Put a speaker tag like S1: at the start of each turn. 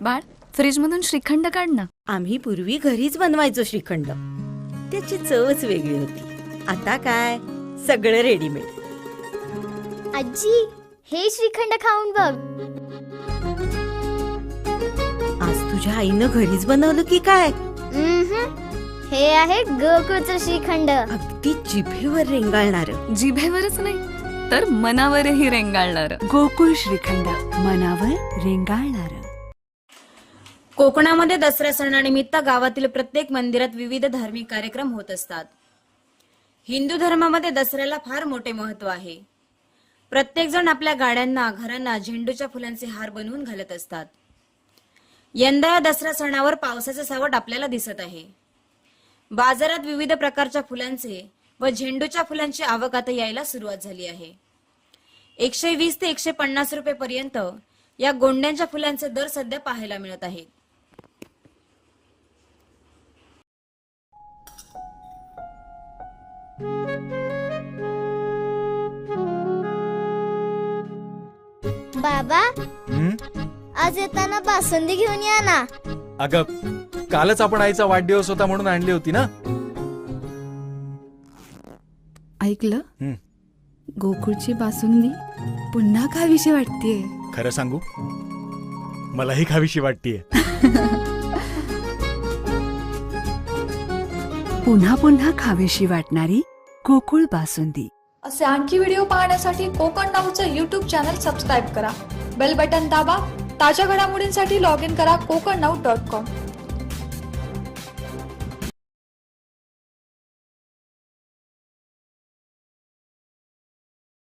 S1: बाळ, फ्रीज मधून श्रीखंड काढ ना.
S2: आम्ही पूर्वी घरीच बनवायचो श्रीखंड. त्याची चवच वेगळी होती. आता काय सगळं रेडीमेड.
S3: आजी, हे श्रीखंड खाऊन बघ.
S2: आज तुझ्या आईनं घरीच बनवलं की काय?
S3: हे आहे गोकुळचं श्रीखंड.
S2: अगदी जिभेवर रेंगाळणार.
S1: जिभेवरच नाही तर मनावरही रेंगाळणार.
S4: गोकुळ श्रीखंड, मनावर रेंगाळणार.
S5: कोकणामध्ये दसरा सणानिमित्त गावातील प्रत्येक मंदिरात विविध धार्मिक कार्यक्रम होत असतात. हिंदू धर्मामध्ये दसऱ्याला फार मोठे महत्व आहे. प्रत्येक जण आपल्या गाड्यांना, घरांना झेंडूच्या फुलांचे हार बनवून घालत असतात. यंदा या दसरा सणावर पावसाचे सावट आपल्याला दिसत आहे. बाजारात विविध प्रकारच्या फुलांचे व झेंडूच्या फुलांची आवक आता यायला सुरुवात झाली आहे. 120 ते 150 रुपये पर्यंत या गोंड्यांच्या फुलांचे दर सध्या पाहायला मिळत आहेत.
S3: बाबा, आज येताना बासुंदी घेऊन या ना.
S6: अगं, कालच आपण आईचा वाढदिवस होता म्हणून आणली होती ना.
S4: ऐकलं? गोकुळची बासुंदी पुन्हा खावीशी वाटतेय.
S6: खरं सांगू, मलाही खावीशी वाटतेय.
S4: पुन्हा पुन्हा खावीशी वाटणारी गोकुळ बासुंदी.
S7: असे आणखी व्हिडिओ पाहण्यासाठी कोकण नाऊचं यूट्यूब चॅनल सबस्क्राईब करा. बेल बटन दाबा. ताज्या घडामोडींसाठी लॉग इन करा kokarnau.com.